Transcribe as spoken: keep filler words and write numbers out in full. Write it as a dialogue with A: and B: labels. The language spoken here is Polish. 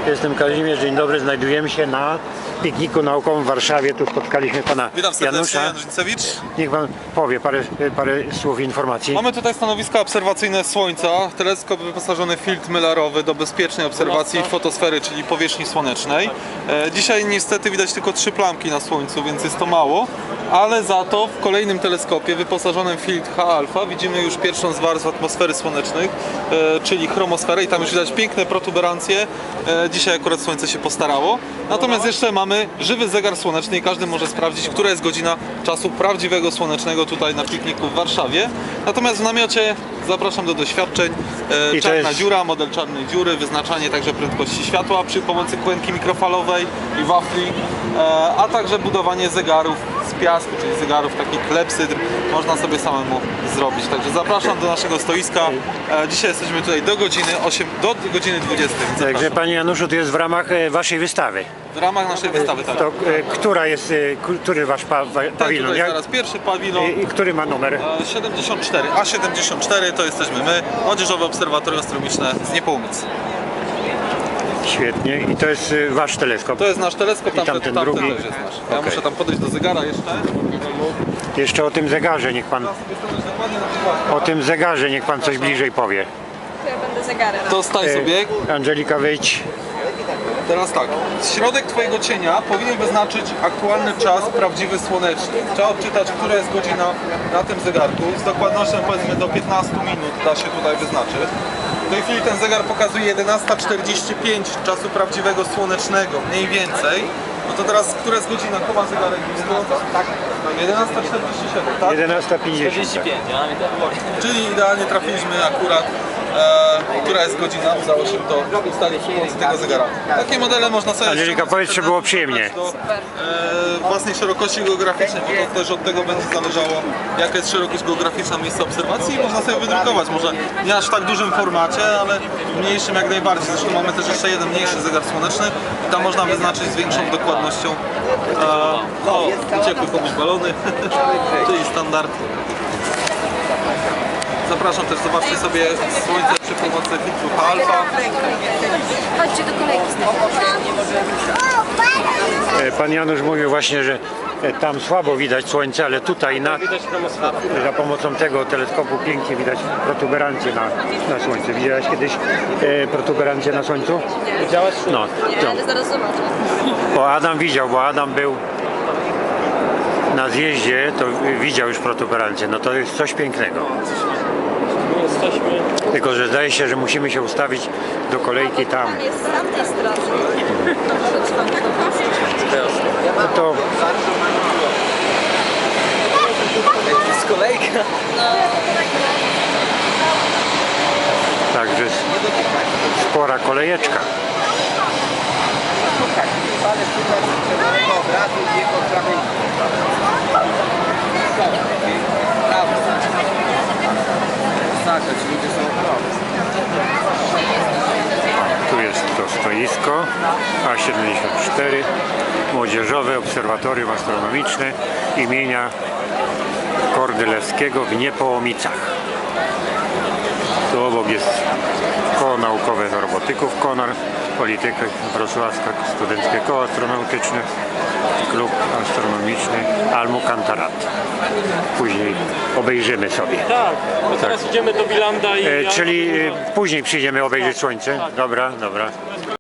A: Jestem Kazimierz, dzień dobry. Znajdujemy się na pikniku naukowym w Warszawie. Tu spotkaliśmy pana
B: Witam serdecznie,
A: Janusza.
B: Jan Rzyncewicz.
A: Niech pan powie parę, parę słów informacji.
B: Mamy tutaj stanowiska obserwacyjne Słońca, teleskop wyposażony w filtr mylarowy do bezpiecznej obserwacji fotosfery, czyli powierzchni słonecznej. E, dzisiaj niestety widać tylko trzy plamki na Słońcu, więc jest to mało, ale za to w kolejnym teleskopie wyposażonym w filtr H-alfa widzimy już pierwszą z warstw atmosfery słonecznych, e, czyli chromosferę, i tam już widać piękne protuberancje. E, dzisiaj akurat Słońce się postarało. Natomiast jeszcze mamy żywy zegar słoneczny i każdy może sprawdzić, która jest godzina czasu prawdziwego słonecznego tutaj na pikniku w Warszawie. Natomiast w namiocie zapraszam do doświadczeń. E,
A: I to
B: czarna
A: jest-
B: dziura, model czarnej dziury, wyznaczanie także prędkości światła przy pomocy kłębki mikrofalowej i wafli, e, a także budowanie zegarów z piasku, czyli zegarów takich klepsydr można sobie samemu zrobić. Także zapraszam do naszego stoiska. E, dzisiaj jesteśmy tutaj do godziny osiem, do godziny dwudziestej. więc
A: Także
B: zapraszam.
A: panie Januszu, to jest w ramach e, waszej wystawy.
B: W ramach naszej wystawy, tak.
A: To e, która jest, e, ku- który wasz pa, wa-
B: Ten
A: pawilon?
B: tutaj
A: Jak-
B: zaraz pierwszy pawilon.
A: I, I który ma numer?
B: E, siedemdziesiąt cztery, A siedemdziesiąt cztery to jesteśmy my, Młodzieżowe Obserwatorium Astronomiczne z Niepołumic.
A: Świetnie. I to jest e, wasz teleskop.
B: To jest nasz teleskop, tamten,
A: tamten
B: tamten
A: drugi?
B: też jest nasz. Ja
A: Okej.
B: muszę tam podejść do zegara jeszcze.
A: Jeszcze o tym zegarze niech pan,
B: Dokładnie na przykład.
A: o tym zegarze niech pan coś bliżej powie.
C: Ja będę zegarem.
B: To staj
A: E,
B: sobie.
A: Angelika, wejdź.
B: Teraz tak, środek twojego cienia powinien wyznaczyć aktualny czas prawdziwy słoneczny. Trzeba odczytać, która jest godzina na tym zegarku. Z dokładnością powiedzmy do piętnastu minut da się tutaj wyznaczyć. W tej chwili ten zegar pokazuje jedenasta czterdzieści pięć czasu prawdziwego słonecznego, mniej więcej. No to teraz, która jest godzina? Chowa zegarek blisko? Tak. jedenasta czterdzieści siedem, tak?
A: jedenasta pięćdziesiąt.
B: Czyli idealnie trafiliśmy akurat, e, która jest godzina, udało się to ustalić przy pomocy tego zegara. Takie modele można sobie...
A: Angelika, powiedz, czy było przyjemnie.
B: Do e, własnej szerokości geograficznej, bo to też od tego będzie zależało, jaka jest szerokość geograficzna miejsca obserwacji, i można sobie wydrukować, może nie aż w tak dużym formacie, ale w mniejszym jak najbardziej. Zresztą mamy też jeszcze jeden mniejszy zegar słoneczny i tam można wyznaczyć z większą dokładnością. E, o, uciekły komuś balony, czyli standard. Zapraszam też, zobaczcie sobie Słońce przy pomocy filtru H-alfa.
C: Chodźcie do kolejki z
A: E, Pan Janusz mówił właśnie, że e, tam słabo widać słońce, ale tutaj na, za pomocą tego teleskopu pięknie widać protuberancje na, na słońcu. Widziałeś kiedyś e, protuberancje na słońcu?
D: Widziałeś?
A: No,
C: Nie,
A: to,
C: ale zaraz zobaczę.
A: bo Adam widział, bo Adam był na zjeździe, to widział już protuberancje. No to jest coś pięknego.
D: My jesteśmy.
A: Tylko że zdaje się, że musimy się ustawić do kolejki tam.
C: Tam jest z tamtej strony.
A: No to
D: Z kolejka.
A: także spora kolejeczka. Tu jest to stoisko A siedemdziesiąt cztery, Młodzieżowe Obserwatorium Astronomiczne imienia Kordylewskiego w Niepołomicach. Tu obok jest Koło Naukowe z Robotyków Konar, Polityka Wrocławska, Studenckie Koło Astronautyczne, Klub Astronomiczny Almucantarat. Później obejrzymy sobie.
D: Tak, bo teraz idziemy do Bilanda i...
A: E, czyli e, później przyjdziemy obejrzeć słońce. Dobra, dobra.